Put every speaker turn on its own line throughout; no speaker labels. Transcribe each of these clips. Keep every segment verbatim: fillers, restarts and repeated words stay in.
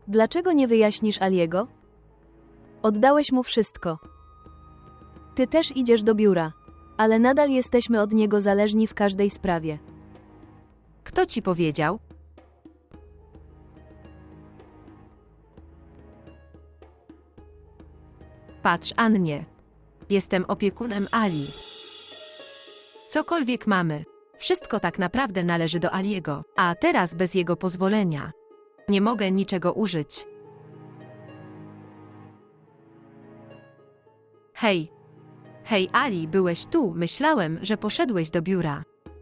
Dlaczego nie wyjaśnisz Aliego? Oddałeś mu wszystko. Ty też idziesz do biura, ale nadal jesteśmy od niego zależni w każdej sprawie.
Kto ci powiedział? Patrz, Annie. Jestem opiekunem Ali. Cokolwiek mamy, wszystko tak naprawdę należy do Aliego, a teraz bez jego pozwolenia nie mogę niczego użyć. Hej. Hej, Ali, byłeś tu, myślałem, że poszedłeś do biura.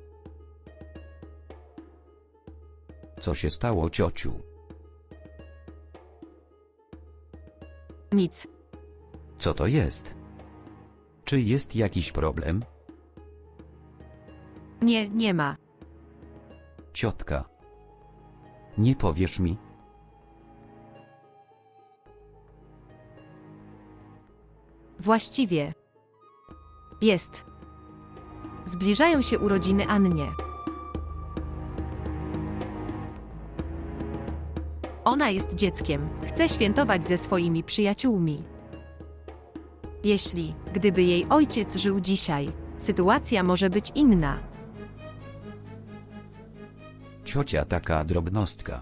Co się stało, ciociu?
Nic.
Co to jest? Czy jest jakiś problem?
Nie, nie ma.
Ciotka. Nie powiesz mi?
Właściwie. Jest. Zbliżają się urodziny Annie. Ona jest dzieckiem, chce świętować ze swoimi przyjaciółmi. Jeśli, gdyby jej ojciec żył dzisiaj, sytuacja może być inna.
Ciocia taka drobnostka.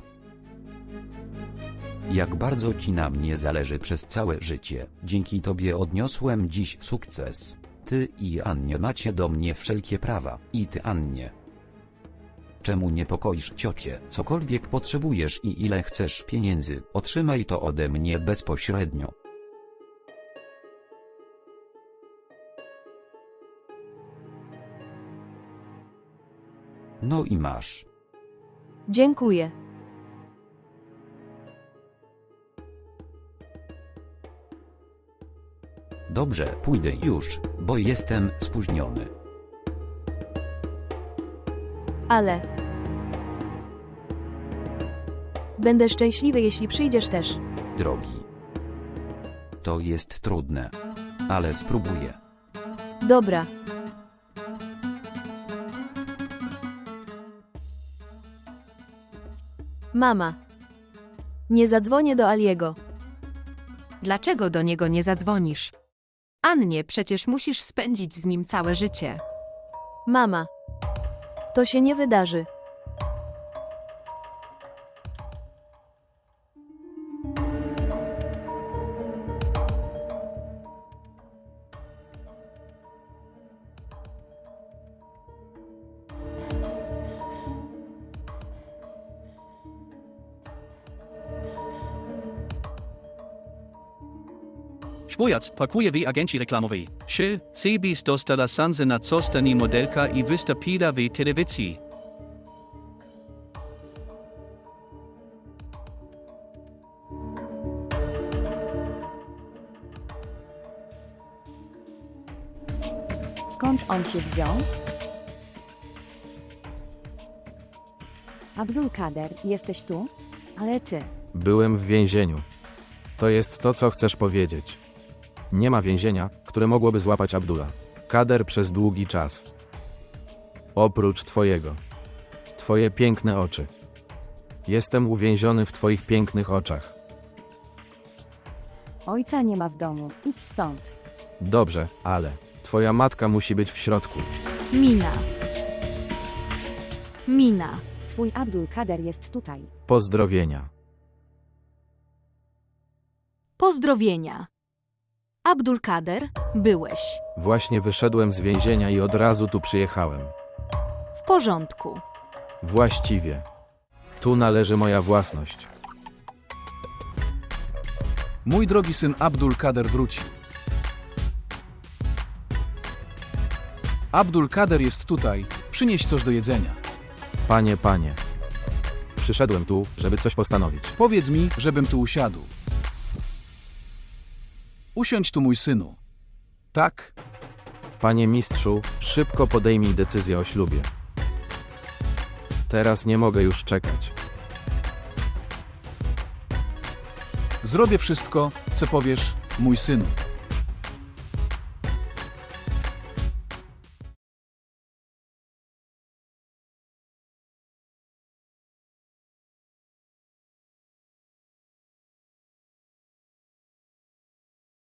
Jak bardzo ci na mnie zależy przez całe życie, dzięki tobie odniosłem dziś sukces. Ty i Annie macie do mnie wszelkie prawa, i ty, Annie. Czemu niepokoisz ciocię? Cokolwiek potrzebujesz i ile chcesz pieniędzy, otrzymaj to ode mnie bezpośrednio. No i masz.
Dziękuję.
Dobrze, pójdę już, bo jestem spóźniony.
Ale będę szczęśliwy, jeśli przyjdziesz też.
Drogi. To jest trudne. Ale spróbuję.
Dobra. Mama. Nie zadzwonię do Aliego.
Dlaczego do niego nie zadzwonisz? Annie, przecież musisz spędzić z nim całe życie.
Mama. To się nie wydarzy.
Szwojac, pakuje w agencji reklamowej. Czy Cebis dostala szansę na zostanie modelka i wystąpiła w telewizji?
Skąd on się wziął? Abdulkader, jesteś tu? Ale ty.
Byłem w więzieniu. To jest to, co chcesz powiedzieć. Nie ma więzienia, które mogłoby złapać Abdula Kader przez długi czas. Oprócz twojego. Twoje piękne oczy. Jestem uwięziony w twoich pięknych oczach.
Ojca nie ma w domu, idź stąd.
Dobrze, ale twoja matka musi być w środku.
Mina. Mina. Twój Abdulkader jest tutaj.
Pozdrowienia.
Pozdrowienia. Abdulkader, byłeś.
Właśnie wyszedłem z więzienia i od razu tu przyjechałem.
W porządku.
Właściwie. Tu należy moja własność.
Mój drogi syn Abdulkader wrócił. Abdulkader jest tutaj, przynieś coś do jedzenia.
Panie, panie. Przyszedłem tu, żeby coś postanowić.
Powiedz mi, żebym tu usiadł. Usiądź tu, mój synu. Tak?
Panie mistrzu, szybko podejmij decyzję o ślubie. Teraz nie mogę już czekać.
Zrobię wszystko, co powiesz, mój synu.